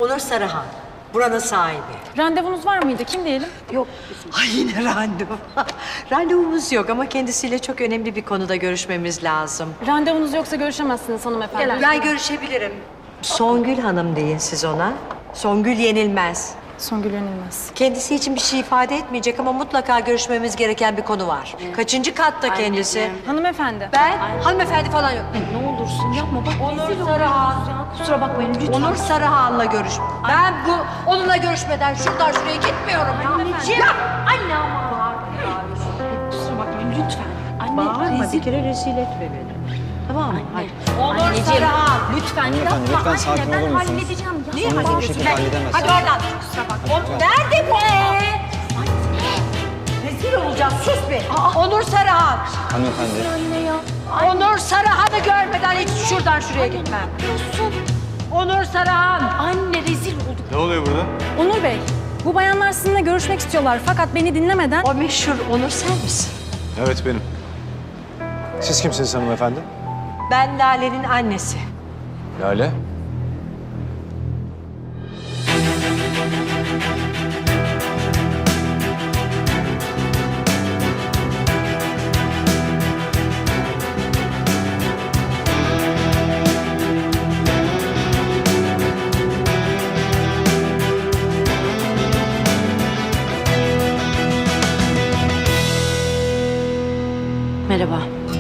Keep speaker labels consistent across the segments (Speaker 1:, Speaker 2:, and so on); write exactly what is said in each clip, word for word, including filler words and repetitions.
Speaker 1: Onur Sarıhan, buranın sahibi.
Speaker 2: Randevunuz var mıydı? Kim diyelim?
Speaker 1: Yok. Ay yine randevu. Randevumuz yok ama kendisiyle çok önemli bir konuda görüşmemiz lazım.
Speaker 2: Randevunuz yoksa görüşemezsiniz hanımefendi.
Speaker 1: Ben görüşebilirim. Songül Hanım deyin siz ona. Songül Yenilmez.
Speaker 2: Songül Yenilmez.
Speaker 1: Kendisi için bir şey ifade etmeyecek ama mutlaka görüşmemiz gereken bir konu var. Kaçıncı katta kendisi?
Speaker 2: Anneciğim. Hanımefendi.
Speaker 1: Ben hanımefendi falan yok.
Speaker 3: Ne olursun yapma bak.
Speaker 1: Onur Sarıhan.
Speaker 3: Kusura bakmayın lütfen.
Speaker 1: Onur Sarıhan'la görüş. Ben bu onunla görüşmeden şuradan şuraya gitmiyorum.
Speaker 3: Anneciğim. Anne ama. Kusura bakmayın lütfen. Anne
Speaker 1: Bağırma
Speaker 3: rezil.
Speaker 1: bir kere rezil etme beni. Tamam mı? Hadi.
Speaker 3: Onur
Speaker 1: Sarıhan.
Speaker 3: Lütfen
Speaker 4: Hanımefendi,
Speaker 3: yapma.
Speaker 4: lütfen sakin
Speaker 3: Anne ben
Speaker 4: olur musunuz?
Speaker 3: halledeceğim. Ya.
Speaker 1: Niye
Speaker 4: Sonra bu
Speaker 1: hadi?
Speaker 4: şekilde halledemezsiniz.
Speaker 1: Hadi oradan. Kusura bakma. Nerede bu? Rezil olacağız. Sus be. Onur Sarıhan.
Speaker 4: Hanımefendi.
Speaker 3: Anne ya.
Speaker 1: Onur Sarıhan'ı görmeden hiç şuradan şuraya gitmem.
Speaker 3: Yapıyorsun.
Speaker 1: Onur Sarıhan.
Speaker 3: Anne rezil olduk.
Speaker 4: Ne oluyor burada?
Speaker 2: Onur Bey, bu bayanlar sizinle görüşmek istiyorlar fakat beni dinlemeden...
Speaker 1: O meşhur Onur sen misin?
Speaker 4: Evet benim. Siz kimsiniz hanımefendi?
Speaker 1: Ben Lale'nin annesi.
Speaker 4: Lale.
Speaker 3: Merhaba.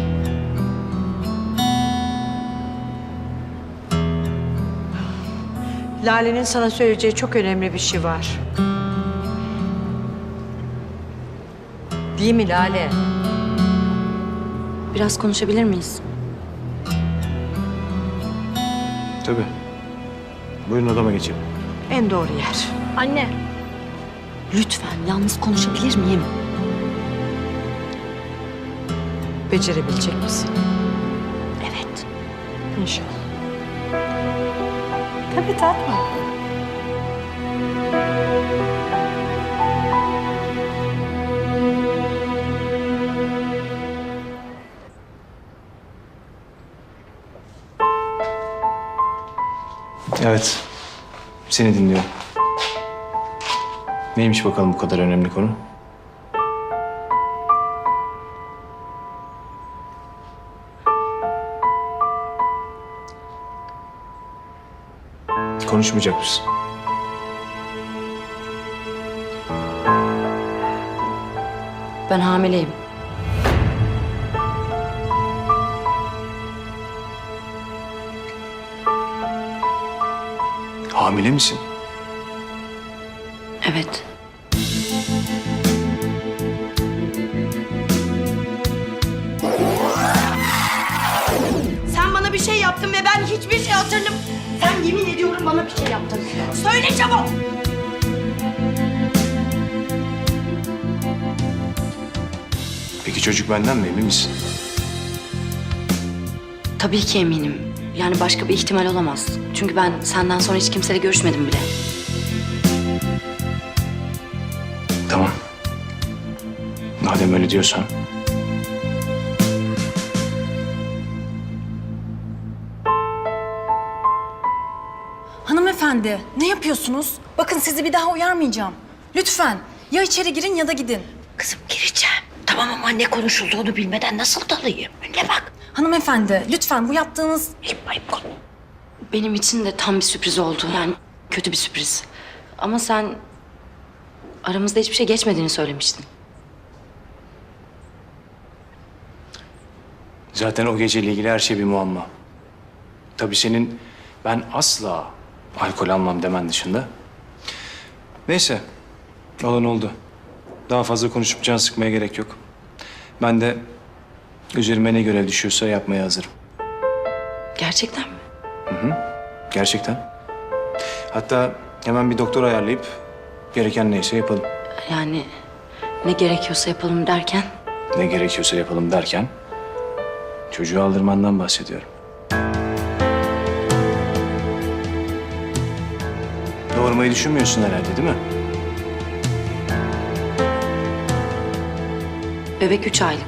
Speaker 1: Lale'nin sana söyleyeceği çok önemli bir şey var. Değil mi Lale?
Speaker 3: Biraz konuşabilir miyiz?
Speaker 4: Tabii. Buyurun odama geçelim.
Speaker 1: En doğru yer.
Speaker 2: Anne,
Speaker 3: Lütfen yalnız konuşabilir miyim?
Speaker 1: Becerebilecek misin?
Speaker 3: Evet.
Speaker 1: İnşallah. Tabii tatlım.
Speaker 4: Evet. Seni dinliyorum. Neymiş bakalım bu kadar önemli konu? Konuşmayacak mısın?
Speaker 3: Ben hamileyim.
Speaker 4: Hamile misin?
Speaker 3: Evet.
Speaker 5: Sen bana bir şey yaptın ve ben hiçbir şey hatırlam... Sen yemin ediyorum bana bir şey yaptın. Söyle çabuk!
Speaker 4: Peki çocuk benden mi, emin misin?
Speaker 3: Tabii ki eminim. Yani başka bir ihtimal olamaz. Çünkü ben senden sonra hiç kimseyle görüşmedim bile.
Speaker 4: Tamam. Madem öyle diyorsan.
Speaker 2: hanımefendi ne yapıyorsunuz? Bakın sizi bir daha uyarmayacağım. Lütfen ya içeri girin ya da gidin.
Speaker 5: Kızım gireceğim. Tamam ama ne konuşulduğunu bilmeden nasıl dalayım? Önüne bak.
Speaker 2: Hanımefendi lütfen bu yaptığınız...
Speaker 5: Ayıp ayıp konu.
Speaker 3: Benim için de tam bir sürpriz oldu. Yani kötü bir sürpriz. Ama sen aramızda hiçbir şey geçmediğini söylemiştin.
Speaker 4: Zaten o geceyle ilgili her şey bir muamma. Tabii senin ben asla alkol almam demen dışında. Neyse, olan oldu. Daha fazla konuşup can sıkmaya gerek yok. Ben de üzerime ne görev düşüyorsa yapmaya hazırım.
Speaker 3: Gerçekten mi?
Speaker 4: Gerçekten. Hatta hemen bir doktor ayarlayıp gereken neyse yapalım.
Speaker 3: Yani ne gerekiyorsa yapalım derken...
Speaker 4: Ne gerekiyorsa yapalım derken çocuğu aldırmandan bahsediyorum. Doğurmayı düşünmüyorsun herhalde değil mi?
Speaker 3: Bebek üç aylık.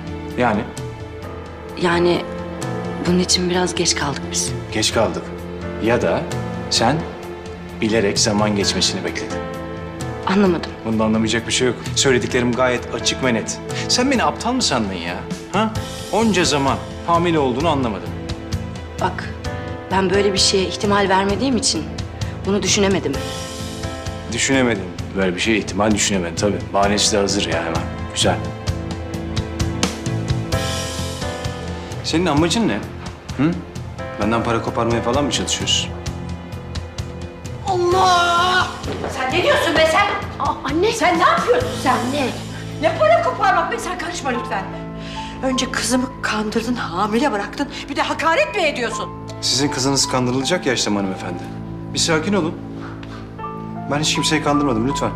Speaker 4: Yani
Speaker 3: Yani bunun için biraz geç kaldık biz.
Speaker 4: geç kaldık. Ya da sen bilerek zaman geçmesini bekledin.
Speaker 3: Anlamadım.
Speaker 4: Bunda anlamayacak bir şey yok. Söylediklerim gayet açık ve net. Sen beni aptal mı sandın ya? Ha? Onca zaman hamile olduğunu anlamadım.
Speaker 3: Bak, ben böyle bir şeye ihtimal vermediğim için bunu düşünemedim.
Speaker 4: Düşünemedim. Böyle bir şey ihtimal düşünemedim tabii. Bahanesi de hazır ya hemen. Güzel. Senin amacın ne? Hı? Benden para koparmaya falan mı çalışıyorsun?
Speaker 5: Allah! Sen ne diyorsun be sen? Aa, anne. Sen ne yapıyorsun sen? Ne? Ne para koparmak be? Sen karışma lütfen. Önce kızımı kandırdın, hamile bıraktın. Bir de hakaret mi ediyorsun?
Speaker 4: Sizin kızınız kandırılacak yaşta hanımefendi. Bir sakin olun. Ben hiç kimseyi kandırmadım lütfen.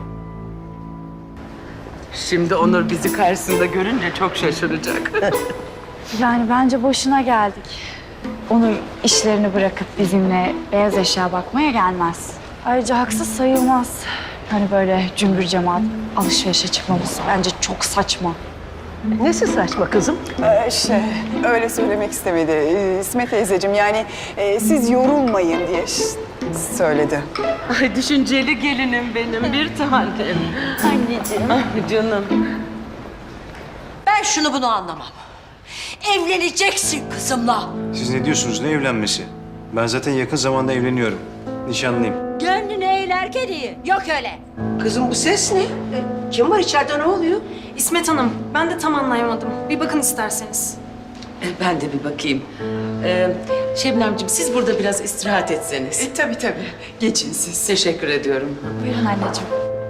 Speaker 6: Şimdi Onur bizi karşısında görünce çok şaşıracak.
Speaker 7: Yani bence boşuna geldik. Onur işlerini bırakıp bizimle beyaz eşya bakmaya gelmez. Ayrıca haksız sayılmaz. Hani böyle cümbür cemaat alışverişe çıkmamız bence çok saçma.
Speaker 5: Nesi saçma kızım?
Speaker 8: Ee, şey, öyle söylemek istemedi. Ee, İsmet teyzeciğim yani e, siz yorulmayın diye ş- söyledi.
Speaker 6: Ay düşünceli gelinim benim bir tanem. Anneciğim. Ah canım.
Speaker 5: Ben şunu bunu anlamam. Evleneceksin kızımla.
Speaker 4: Siz ne diyorsunuz? Ne evlenmesi? Ben zaten yakın zamanda evleniyorum. Nişanlıyım.
Speaker 5: Gönlünü eğlerken iyi. Yok öyle. Kızım bu ses ne? Kim var içeride, ne oluyor?
Speaker 2: İsmet Hanım, ben de tam anlayamadım. Bir bakın isterseniz.
Speaker 6: Ben de bir bakayım. Ee, Şebnemciğim siz burada biraz istirahat etseniz.
Speaker 8: E, tabii tabii. Geçin siz.
Speaker 6: Teşekkür ediyorum.
Speaker 7: Buyurun anneciğim.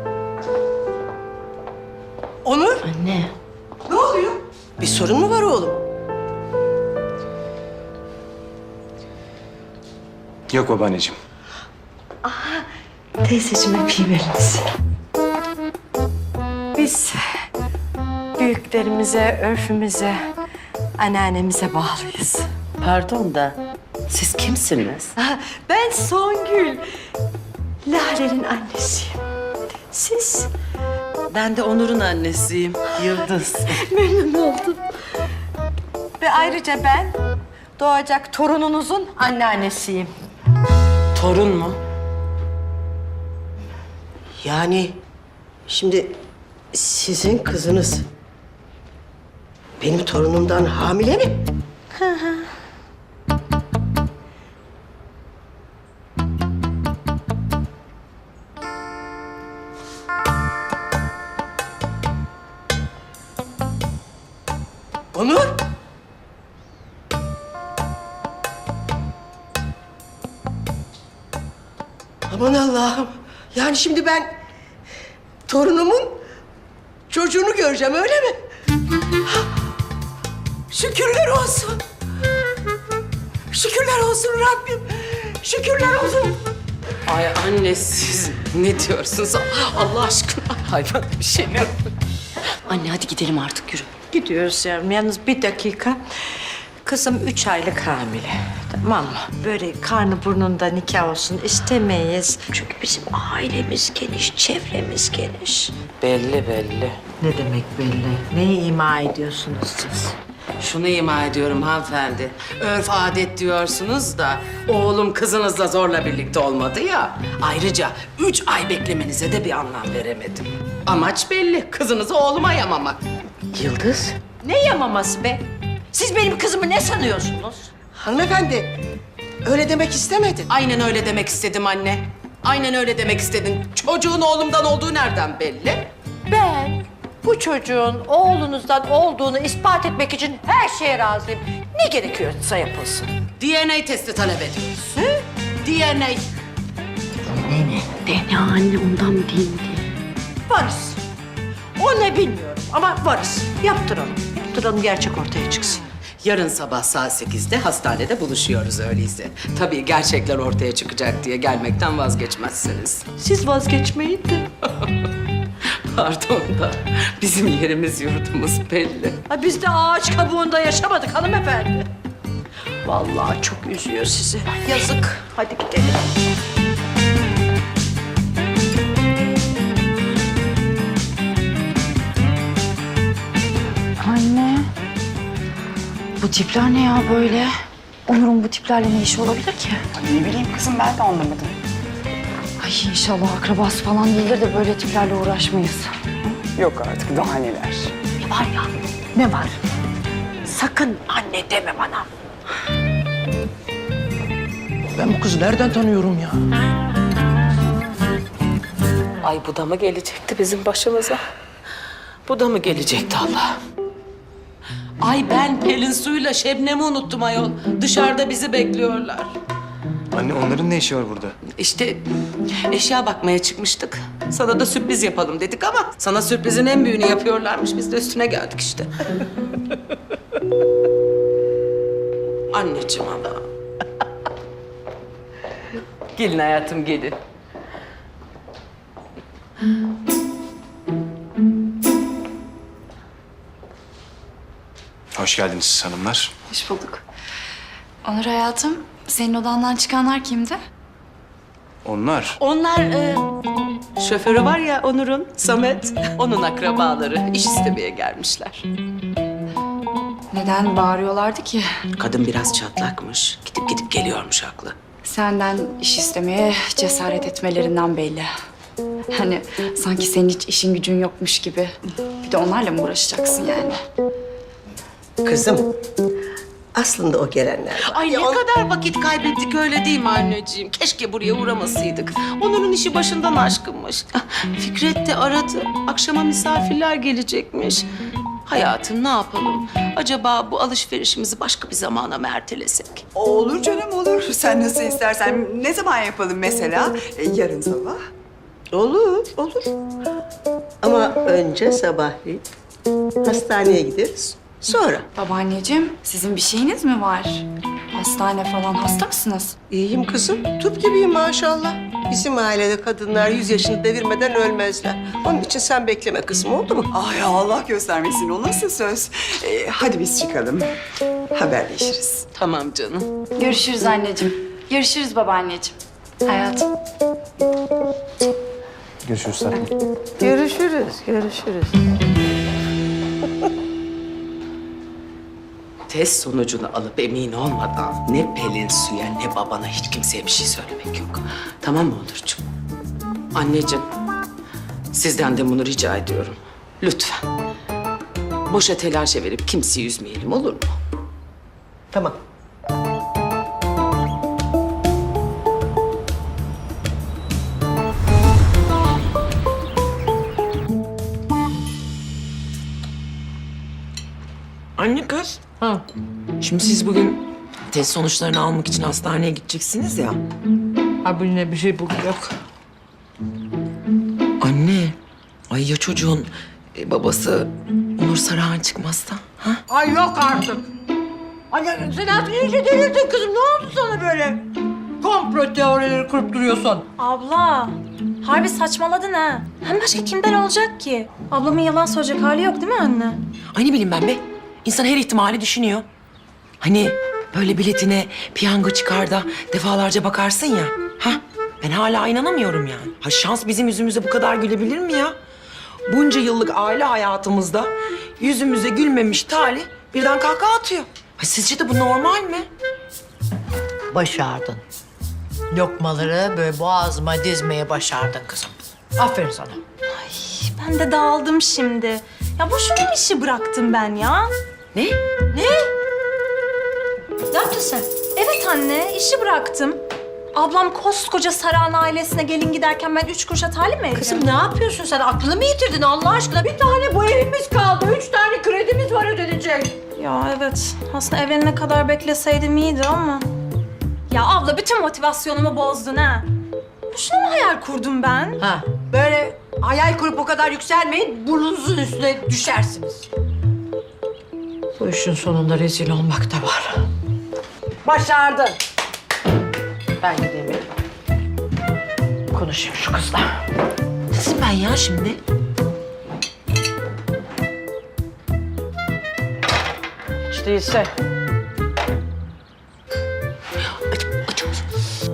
Speaker 5: Onur,
Speaker 3: Anne.
Speaker 5: ne oluyor? Bir sorun mu var oğlum?
Speaker 4: Yok babaanneciğim.
Speaker 1: Teyzeciğim öpeyim elinizi. Biz büyüklerimize, örfümüze, anneannemize bağlıyız.
Speaker 6: Pardon da siz kimsiniz?
Speaker 1: Ah, ben Songül. Lale'nin annesiyim. Siz?
Speaker 6: Ben de Onur'un annesiyim. Yıldız.
Speaker 1: Memnun oldum. Ve ayrıca ben doğacak torununuzun anneannesiyim.
Speaker 6: Torun mu?
Speaker 9: Yani şimdi sizin kızınız benim torunumdan hamile mi? Onur! Aman Allah'ım. Yani şimdi ben torunumun çocuğunu göreceğim, öyle mi? Şükürler olsun. Şükürler olsun Rabbim. Şükürler olsun.
Speaker 6: Ay anne siz ne diyorsunuz? Allah aşkına hayvan bir şey mi?
Speaker 3: Anne hadi gidelim artık yürü.
Speaker 1: Gidiyoruz yavrum. Yalnız bir dakika. Kızım üç aylık hamile. Tamam mı? Böyle karnı burnunda nikah olsun istemeyiz. Çünkü bizim ailemiz geniş, çevremiz geniş.
Speaker 6: Belli belli.
Speaker 1: Ne demek belli? Neyi ima ediyorsunuz siz?
Speaker 6: Şunu ima ediyorum hanımefendi. Örf adet diyorsunuz da oğlum kızınızla zorla birlikte olmadı ya. Ayrıca üç ay beklemenize de bir anlam veremedim. Amaç belli. Kızınızı oğluma yamamak.
Speaker 9: Yıldız,
Speaker 5: Ne yamaması be? Siz benim kızımı ne sanıyorsunuz?
Speaker 9: hanımefendi öyle demek istemedin.
Speaker 6: Aynen öyle demek istedim anne. Aynen öyle demek istedin. Çocuğun oğlumdan olduğu nereden belli?
Speaker 5: Ben bu çocuğun oğlunuzdan olduğunu ispat etmek için her şeye razıyım. Ne gerekiyorsa yapılsın.
Speaker 6: D N A testi talep ediyoruz. D N A.
Speaker 3: D N A anne ondan mı değil mi diye.
Speaker 5: Varız. O ne bilmiyorum ama varız. Yaptıralım. Yaptıralım, gerçek ortaya çıksın.
Speaker 6: Yarın sabah saat sekizde hastanede buluşuyoruz öyleyse. Tabii gerçekler ortaya çıkacak diye gelmekten vazgeçmezsiniz.
Speaker 5: Siz vazgeçmeyin de.
Speaker 6: Pardon da bizim yerimiz yurdumuz belli.
Speaker 5: Ha, biz de ağaç kabuğunda yaşamadık hanımefendi. Vallahi çok üzüyor sizi. Yazık. Hadi gidelim.
Speaker 7: Anne. Bu tipler ne ya böyle? Onur'un bu tiplerle ne işi olabilir ki?
Speaker 8: Ay ne bileyim kızım, ben de anlamadım.
Speaker 7: Ay inşallah akrabası falan değildir de böyle tiplerle uğraşmayız.
Speaker 8: Yok artık, daha neler.
Speaker 5: Var ya, ne var? Sakın anne deme bana.
Speaker 9: Ben bu kızı nereden tanıyorum ya?
Speaker 6: Ay bu da mı gelecekti bizim başımıza? Bu da mı gelecekti Allah? Ay ben Pelin Su'yla Şebnem'i unuttum ayol. Dışarıda bizi bekliyorlar.
Speaker 4: Anne onların ne işi var burada?
Speaker 6: İşte eşya bakmaya çıkmıştık. Sana da sürpriz yapalım dedik ama sana sürprizin en büyüğünü yapıyorlarmış. Biz de üstüne geldik işte. Anneciğim ama. Gelin hayatım gelin.
Speaker 4: Hoş geldiniz siz hanımlar.
Speaker 7: Hoş bulduk. Onur hayatım, senin odandan çıkanlar kimdi?
Speaker 4: Onlar.
Speaker 6: Onlar e, şoförü var ya Onur'un, Samet. Onun akrabaları iş istemeye gelmişler.
Speaker 7: Neden bağırıyorlardı ki?
Speaker 6: Kadın biraz çatlakmış. Gidip gidip geliyormuş haklı.
Speaker 7: Senden iş istemeye cesaret etmelerinden belli. Hani sanki senin hiç işin gücün yokmuş gibi. Bir de onlarla mı uğraşacaksın yani?
Speaker 9: Kızım, aslında o gelenler var.
Speaker 6: Ay ne
Speaker 9: Ya on-
Speaker 6: kadar vakit kaybettik öyle değil mi anneciğim? Keşke buraya uğramasaydık. Onur'un işi başından aşkınmış. Ah, Fikret de aradı. Akşama misafirler gelecekmiş. Hayatım ne yapalım? Acaba bu alışverişimizi başka bir zamana mı ertelesek?
Speaker 8: Olur canım, olur. Sen nasıl istersen. Ne zaman yapalım mesela? E, yarın sabah.
Speaker 9: Olur, olur. Ama önce sabahleyin hastaneye gideriz. Sonra.
Speaker 7: Babaanneciğim, sizin bir şeyiniz mi var? Hastane falan, hasta mısınız?
Speaker 9: İyiyim kızım. Tüp gibiyim maşallah. Bizim ailede kadınlar yüz yaşını devirmeden ölmezler. Onun için sen bekleme kızım, oldu mu?
Speaker 8: Ay Allah göstermesin, o nasıl söz? E, hadi biz çıkalım. Haberleşiriz.
Speaker 6: Tamam canım.
Speaker 7: Görüşürüz anneciğim. Görüşürüz babaanneciğim. Hayatım.
Speaker 4: Görüşürüz tatlım.
Speaker 5: Görüşürüz, görüşürüz.
Speaker 6: Test sonucunu alıp emin olmadan ne Pelin Su'ya ne babana hiç kimseye bir şey söylemek yok. Tamam mı Onurcuğum? Anneciğim, sizden de bunu rica ediyorum. Lütfen. Boşa telaşa verip kimseyi üzmeyelim, olur mu?
Speaker 9: Tamam.
Speaker 10: Anne kız. Ha. Şimdi siz bugün test sonuçlarını almak için hastaneye gideceksiniz ya.
Speaker 5: Abine bir şey yok.
Speaker 10: Anne. Ay ya çocuğun e, babası Onur Sarıhan çıkmazsa? Ha?
Speaker 5: Ay yok artık. Anne sen artık iyice delirdin kızım. Ne oldu sana böyle? Komplo teorileri kurup duruyorsun.
Speaker 2: Abla, harbi saçmaladın ha. Hem başka kimden olacak ki? Ablamın yalan söyleyecek hali yok değil mi anne?
Speaker 10: Ay ne bileyim ben be. İnsan her ihtimali düşünüyor. Hani böyle biletine piyango çıkar da defalarca bakarsın ya. Ha? Ben hala inanamıyorum yani. Ha şans bizim yüzümüze bu kadar gülebilir mi ya? Bunca yıllık aile hayatımızda yüzümüze gülmemiş talih birden kahkaha atıyor. Ha sizce de bu normal mi?
Speaker 5: Başardın. Lokmaları böyle boğazıma dizmeye başardın kızım. Aferin sana.
Speaker 2: Ben de dağıldım şimdi. Ya boşuna işi bıraktım ben ya.
Speaker 10: Ne?
Speaker 2: Ne yaptın sen? Evet anne, işi bıraktım. Ablam koskoca Saran ailesine gelin giderken ben üç kuruşa talim mi edeceğim?
Speaker 5: Kızım ne yapıyorsun sen? Aklını mı yitirdin Allah aşkına? Bir tane bu evimiz kaldı. Üç tane kredimiz var ödenecek.
Speaker 2: Ya evet, aslında evlenene kadar bekleseydim iyiydi ama... Ya abla bütün motivasyonumu bozdun ha. Boşuna mı hayal kurdum ben?
Speaker 5: Ha, böyle hayal kurup o kadar yükselmeyin. Burnunuzun üstüne düşersiniz. Bu işin sonunda rezil olmak da var. Başardın. Ben gideyim. Konuşayım şu kızla.
Speaker 10: Nasıl ben ya şimdi?
Speaker 5: Hiç değilse.
Speaker 10: Aç, aç, aç.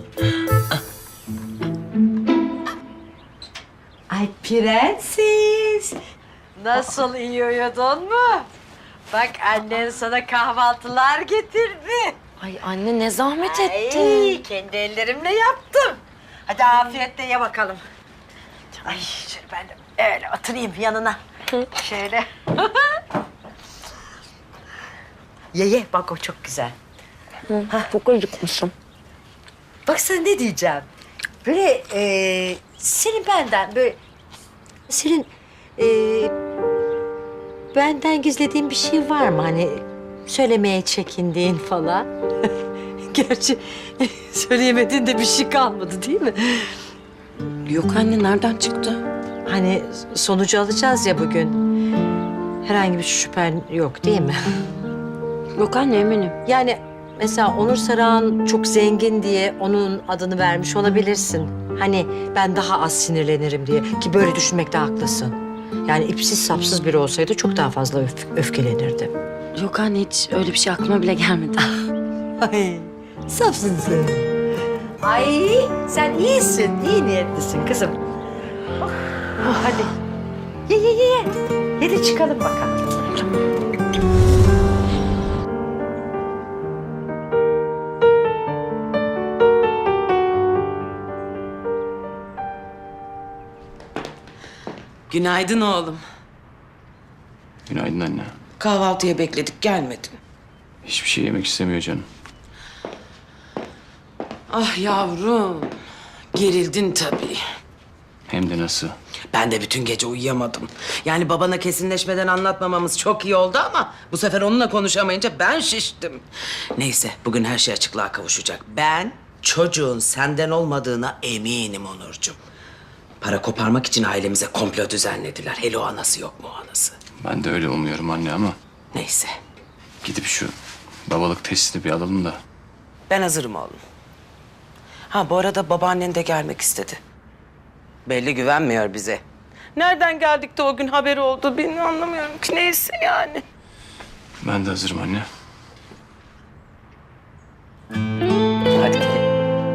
Speaker 1: Ay prenses. Nasıl iyi uyudun mu? Bak annen sana kahvaltılar getirdi.
Speaker 3: Ay anne ne zahmet ettin.
Speaker 1: Ay, kendi ellerimle yaptım. Hadi afiyetle ye bakalım. Ay şöyle ben de öyle oturayım yanına. Şöyle. Ye ye bak o çok güzel.
Speaker 3: Çok acıkmışım.
Speaker 1: Bak sana ne diyeceğim. Böyle e, senin benden böyle... Senin e, benden gizlediğin bir şey var mı? Hani söylemeye çekindiğin falan. Gerçi söyleyemediğin de bir şey kalmadı değil mi?
Speaker 3: Yok anne nereden çıktı?
Speaker 1: Hani sonucu alacağız ya bugün. Herhangi bir şüphen yok değil mi?
Speaker 3: Yok anne eminim.
Speaker 1: Yani mesela Onur Saran çok zengin diye onun adını vermiş olabilirsin. Hani ben daha az sinirlenirim diye. Ki böyle düşünmekte haklısın. Yani ipsiz sapsız biri olsaydı çok daha fazla öf öfkelenirdim.
Speaker 3: Yok anne hiç öyle bir şey aklıma bile gelmedi.
Speaker 1: Ay safsın sen. Ay sen iyisin, iyi niyetlisin kızım. Oh, oh, hadi ye ye ye ye. Ye de çıkalım bakalım.
Speaker 6: Günaydın oğlum.
Speaker 4: Günaydın anne.
Speaker 6: Kahvaltıya bekledik, gelmedin.
Speaker 4: Hiçbir şey yemek istemiyor canım.
Speaker 6: Ah yavrum, gerildin tabii.
Speaker 4: Hem de nasıl?
Speaker 6: Ben de bütün gece uyuyamadım. Yani babana kesinleşmeden anlatmamamız çok iyi oldu ama... ...bu sefer onunla konuşamayınca ben şiştim. Neyse, bugün her şey açıklığa kavuşacak. Ben çocuğun senden olmadığına eminim Onurcuğum. Para koparmak için ailemize komplo düzenlediler. Hele o anası yok mu o anası?
Speaker 4: Ben de öyle umuyorum anne ama
Speaker 6: Neyse,
Speaker 4: gidip şu babalık testini bir alalım da.
Speaker 6: ben hazırım oğlum. Ha bu arada babaannen de gelmek istedi. Belli güvenmiyor bize. Nereden geldik de o gün haberi oldu bilmiyorum, anlamıyorum ki. Neyse yani.
Speaker 4: Ben de hazırım anne.
Speaker 6: Hadi gidelim.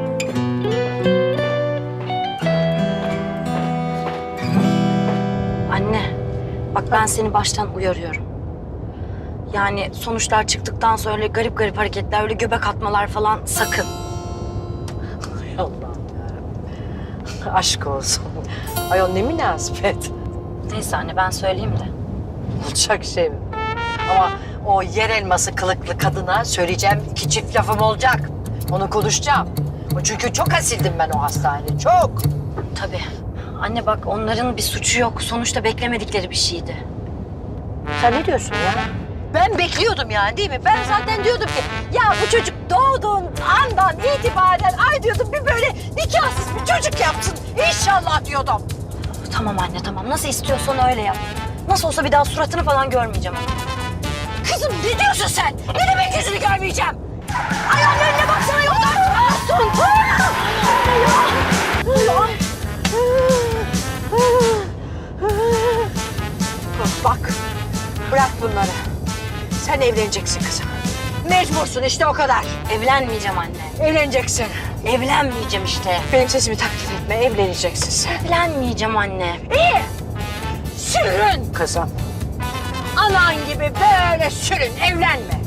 Speaker 3: Anne bak ben seni baştan uyarıyorum. Yani sonuçlar çıktıktan sonra öyle garip garip hareketler, öyle göbek atmalar falan sakın.
Speaker 1: Ay Allah'ım yarabbim. Aşk olsun. Ay o ne münasebet.
Speaker 3: Neyse anne ben söyleyeyim de.
Speaker 1: Olacak şey mi? Ama o yer elması kılıklı kadına söyleyeceğim iki çift lafım olacak. Onu konuşacağım. O çünkü çok asildim ben o hastanede, çok.
Speaker 3: Tabii. Anne bak onların bir suçu yok. Sonuçta beklemedikleri bir şeydi.
Speaker 1: Sen ne diyorsun ya? Ben bekliyordum yani değil mi? Ben zaten diyordum ki ya bu çocuk doğduğun andan itibaren ay diyordum bir böyle nikahsız bir çocuk yapsın. İnşallah diyordum.
Speaker 3: Tamam anne tamam. Nasıl istiyorsan öyle yap. Nasıl olsa bir daha suratını falan görmeyeceğim.
Speaker 1: Kızım ne diyorsun sen? Ne demek yüzünü görmeyeceğim? Ayağının önüne baksana yoldan çıkarsın. Bak bırak bunları. Sen evleneceksin kızım. Mecbursun işte o kadar.
Speaker 3: Evlenmeyeceğim anne.
Speaker 1: Evleneceksin.
Speaker 3: Evlenmeyeceğim işte.
Speaker 1: Benim sesimi taklit etme. Evleneceksin sen.
Speaker 3: Evlenmeyeceğim anne.
Speaker 1: İyi. Sürün kızım. Anan gibi böyle sürün. Evlenme.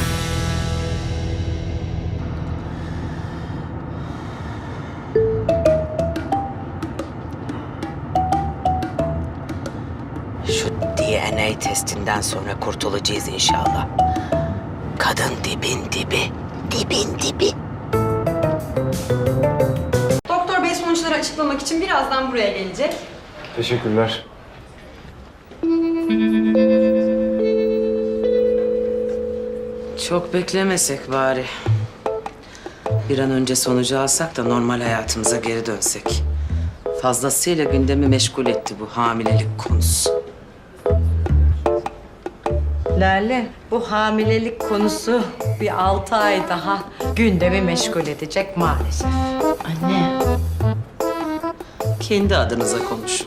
Speaker 6: Şu D N A testinden sonra kurtulacağız inşallah. Kadın dibin dibi, dibin dibi.
Speaker 2: Doktor bey sonuçları açıklamak için birazdan buraya gelecek.
Speaker 4: Teşekkürler.
Speaker 6: Çok beklemesek bari. Bir an önce sonucu alsak da normal hayatımıza geri dönsek. Fazlasıyla gündemi meşgul etti bu hamilelik konusu.
Speaker 1: Lale, bu hamilelik konusu bir altı ay daha gündemi meşgul edecek maalesef.
Speaker 3: Anne.
Speaker 6: Kendi adınıza konuşun.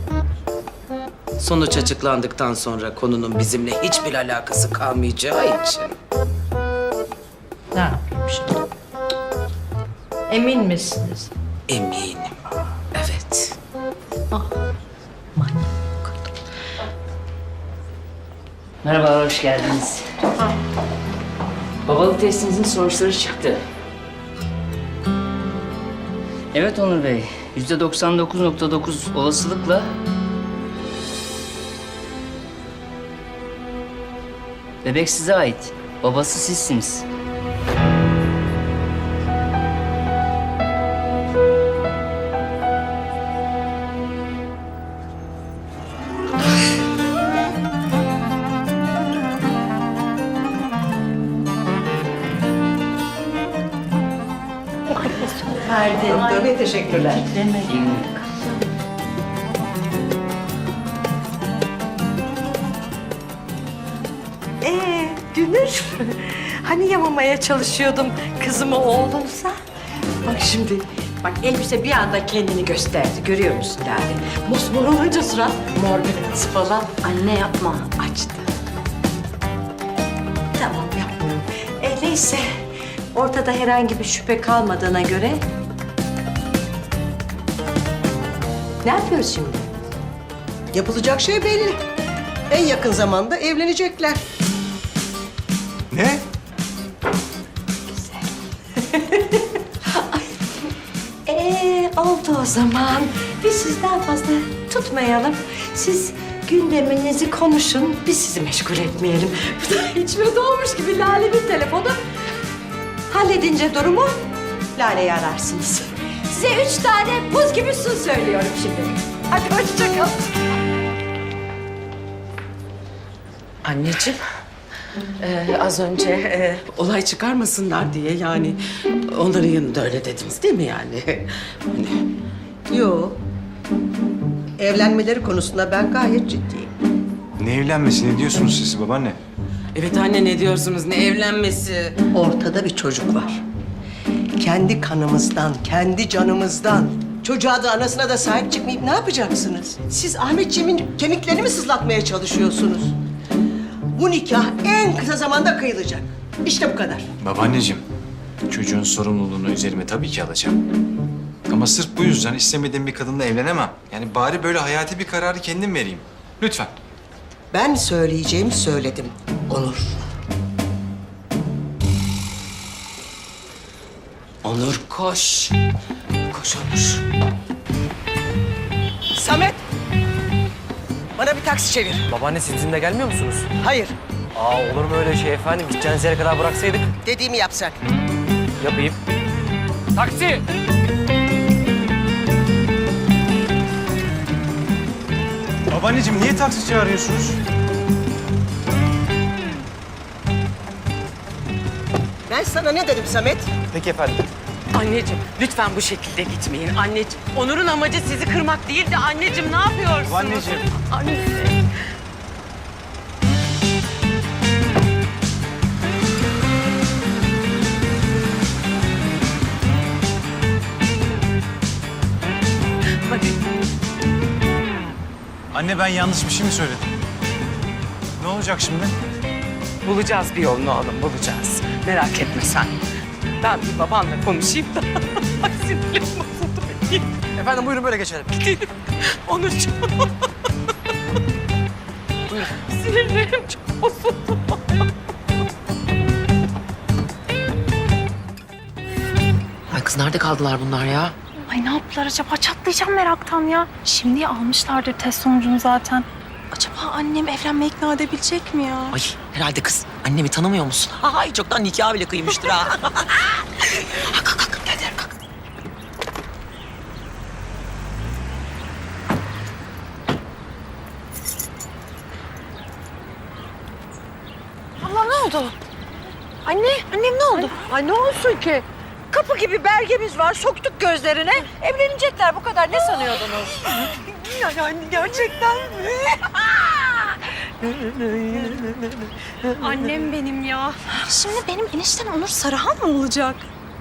Speaker 6: Sonuç açıklandıktan sonra konunun bizimle hiçbir alakası kalmayacağı için.
Speaker 1: Ne yapayım şimdi? Emin misiniz?
Speaker 6: Eminim. Evet.
Speaker 11: Merhaba, hoş geldiniz. Babalık testinizin sonuçları çıktı. Evet Onur Bey, yüzde doksan dokuz nokta dokuz olasılıkla bebek size ait. Babası sizsiniz.
Speaker 9: Doktor Bey teşekkürler.
Speaker 1: Ee, Dünür, hani yamamaya çalışıyordum kızımı oğlumsa? Bak şimdi, bak elbise bir anda kendini gösterdi. Görüyor musun Lale? Mosmor olunca surat, mor bebekisi falan.
Speaker 3: Anne yapma.
Speaker 1: Açtı. Tamam, yapmıyorum. E, neyse, ortada herhangi bir şüphe kalmadığına göre... Ne yapıyoruz şimdi?
Speaker 9: Yapılacak şey belli. En yakın zamanda evlenecekler.
Speaker 4: Ne?
Speaker 1: Ee, oldu o zaman. Biz sizi daha fazla tutmayalım. Siz gündeminizi konuşun, biz sizi meşgul etmeyelim. Bu da içime doğmuş gibi Lale'nin telefonu. Halledince durumu Lale'yi ararsınız. Size üç tane buz gibi su söylüyorum şimdi. Hadi hoşça kalın.
Speaker 10: Anneciğim, e, az önce e, olay çıkarmasınlar diye yani onların yanında öyle dediniz değil mi yani? Hani,
Speaker 9: Yo. Evlenmeleri konusunda ben gayet ciddiyim.
Speaker 4: Ne evlenmesi, ne diyorsunuz siz babaanne?
Speaker 10: evet anne ne diyorsunuz, ne evlenmesi?
Speaker 9: Ortada bir çocuk var. Kendi kanımızdan, kendi canımızdan. Çocuğa da anasına da sahip çıkmayıp ne yapacaksınız? Siz Ahmetciğimin kemiklerini mi sızlatmaya çalışıyorsunuz? Bu nikah en kısa zamanda kıyılacak. İşte bu kadar.
Speaker 4: Babaanneciğim, çocuğun sorumluluğunu üzerime tabii ki alacağım. Ama sırf bu yüzden istemediğim bir kadınla evlenemem. Yani bari böyle hayati bir kararı kendim vereyim. Lütfen.
Speaker 9: Ben söyleyeceğimi söyledim Onur.
Speaker 10: Onur koş. Koş Onur.
Speaker 9: Samet! Bana bir taksi çevir.
Speaker 12: Babaanne siz bizimle gelmiyor musunuz?
Speaker 9: Hayır,
Speaker 12: Aa olur mu öyle şey efendim? Gideceğiniz yere kadar bıraksaydık.
Speaker 9: dediğimi yap sen.
Speaker 12: Yapayım. Taksi!
Speaker 4: Babaanneciğim niye taksi çağırıyorsunuz?
Speaker 9: Ben sana ne dedim Samet?
Speaker 12: Peki efendim.
Speaker 10: Anneciğim lütfen bu şekilde gitmeyin anneciğim. Onur'un amacı sizi kırmak değildi anneciğim, ne yapıyorsunuz?
Speaker 4: Babaanneciğim.
Speaker 10: Anne. Hadi.
Speaker 4: Anne ben yanlış bir şey mi söyledim? Ne olacak şimdi?
Speaker 10: Bulacağız bir yolunu oğlum, bulacağız. Merak etme sen. Ben bir babanla konuşayım da. Ay sinirlerim bozuldu benim.
Speaker 12: Efendim buyurun böyle geçelim.
Speaker 10: Gidelim. Onurcuğum. Sinirlerim çok bozuldu. Ay kız nerede kaldılar bunlar ya?
Speaker 2: Ay ne yaptılar acaba? Çatlayacağım meraktan ya. Şimdi almışlardır test sonucunu zaten. Acaba annem evlenmeye ikna edebilecek mi ya?
Speaker 10: Ay herhalde kız. Annemi tanımıyor musun? Ay çoktan nikah bile kıymıştır ha. Kalk kalk kalk. Gel gel kalk.
Speaker 2: Allah ne oldu? Anne, annem ne oldu?
Speaker 5: Ay ne olsun ki? Kapı gibi belgemiz var, soktuk gözlerine. Evlenecekler, bu kadar. Ne sanıyordunuz?
Speaker 2: Yani gerçekten mi? Annem benim ya. Şimdi benim eniştem Onur Sarıhan mı olacak?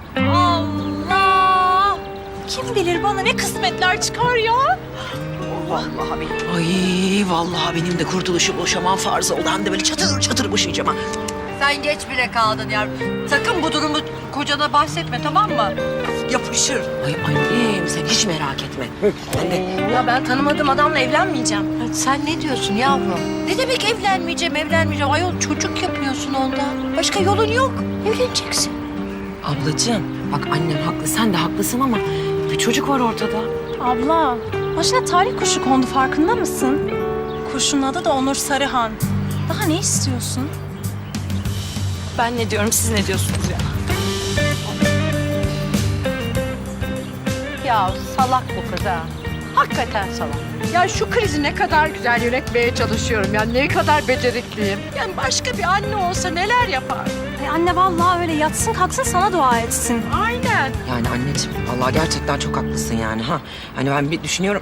Speaker 2: Allah! Kim bilir bana ne kısmetler çıkar ya?
Speaker 5: Vallahi billahi.
Speaker 10: Ay vallahi benim de kurtuluşu boşamam farz oldu. Hem de böyle çatır çatır boşayacağım ha.
Speaker 5: Sen geç bile kaldın yavrum. Sakın bu durumu kocana bahsetme, tamam mı?
Speaker 9: yapışır.
Speaker 10: Ay annem sen hiç merak etme. Ben de
Speaker 3: Ya ben tanımadığım adamla evlenmeyeceğim.
Speaker 1: Ya sen ne diyorsun yavrum? Ne demek evlenmeyeceğim, evlenmeyeceğim? Ayol çocuk yapıyorsun ondan. Başka yolun yok. Evleneceksin.
Speaker 10: ablacığım bak annem haklı sen de haklısın ama bir çocuk var ortada.
Speaker 2: Abla, başına talih kuşu kondu farkında mısın? Kuşun adı da Onur Sarıhan. Daha ne istiyorsun? Ben ne diyorum, siz ne diyorsunuz ya?
Speaker 5: Ya salak bu kız ha. Hakikaten salak. Ya şu krizi ne kadar güzel yönetmeye çalışıyorum. Ya ne kadar becerikliyim. Yani başka bir anne olsa neler yapar?
Speaker 2: Ay anne vallahi öyle yatsın kalksın sana dua etsin.
Speaker 5: Aynen.
Speaker 10: Yani anneciğim vallahi gerçekten çok haklısın yani ha. Hani ben bir düşünüyorum.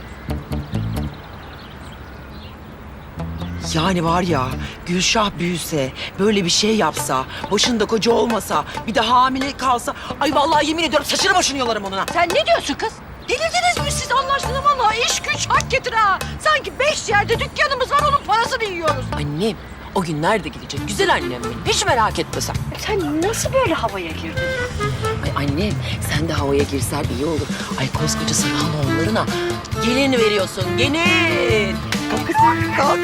Speaker 10: Yani var ya Gülşah büyüse, böyle bir şey yapsa, başında koca olmasa, bir de hamile kalsa... Ay vallahi yemin ediyorum saçını başını yolarım onun ha.
Speaker 5: Sen ne diyorsun kız? Delirdiniz mi siz Allah aşkına? Vallahi iş güç hak getir ha. Sanki beş yerde dükkanımız var, onun parasını yiyoruz.
Speaker 10: Annem o günler de gelecek. Güzel annem benim. Hiç merak etme sen.
Speaker 5: Sen nasıl böyle havaya girdin?
Speaker 10: Ay annem sen de havaya girsen iyi olur. Ay koskoca Sarıhanoğullarına gelin veriyorsun. Gelin. Kalk kız, kalk.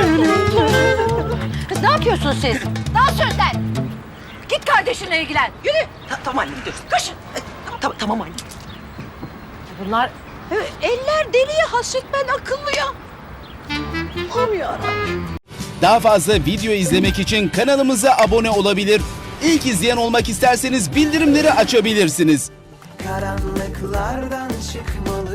Speaker 5: Kız ne yapıyorsun siz? Daha sözler. Git kardeşinle ilgilen. Yürü.
Speaker 10: Ta- tamam anne gidiyoruz. Koş. Ta- tamam anne.
Speaker 5: Bunlar e, eller deliye hasret, ben akıllıya. Aman yarabbim.
Speaker 13: Daha fazla video izlemek için kanalımıza abone olabilir. İlk izleyen olmak isterseniz bildirimleri açabilirsiniz.
Speaker 14: Karanlıklardan çıkmalı.